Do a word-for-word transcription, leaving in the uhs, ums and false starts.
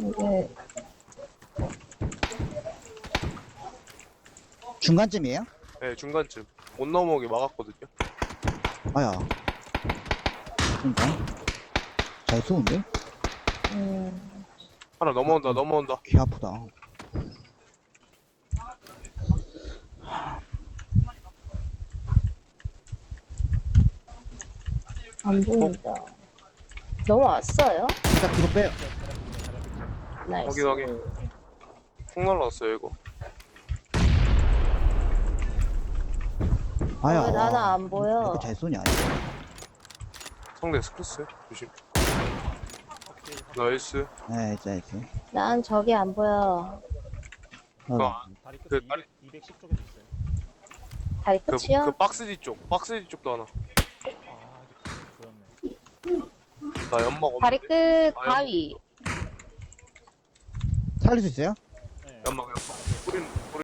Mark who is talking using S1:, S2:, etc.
S1: 이게
S2: 중간쯤이에요?
S3: 네, 중간쯤. 못 넘어오게 막았거든요.
S2: 아야. 그러니까. 잘 쏘는데?
S1: 음,
S3: 하나 넘어온다, 넘어온다.
S2: 귀 아프다.
S1: 안 보인다. 넘어왔어요?
S2: 일단 뒤로 빼요.
S1: 나이스.
S3: 확인, 확인. 폭 날라왔어요, 이거.
S2: 아야.
S1: 왜 나는 안
S2: 왜
S1: 보여?
S2: 이렇게 잘 쏘냐.
S3: 상대 스크스 조심. 나이스.
S2: 네, 진짜 이렇게.
S1: 난 저기 안 보여.
S3: 그,
S2: 어.
S4: 다리 끝에
S3: 그 다리-
S4: 이백, 이백십 쪽에도 있어요.
S1: 다리
S3: 그,
S1: 끝이요?
S3: 그 박스 뒤쪽, 박스 뒤쪽도 하나.
S4: 아, 이게 보였네.
S3: 나 연막
S1: 다리
S3: 없는데?
S1: 끝 가위.
S2: 살릴 수 있어요?
S4: 네.
S3: 연막, 연막. 뿌리는, 뿌리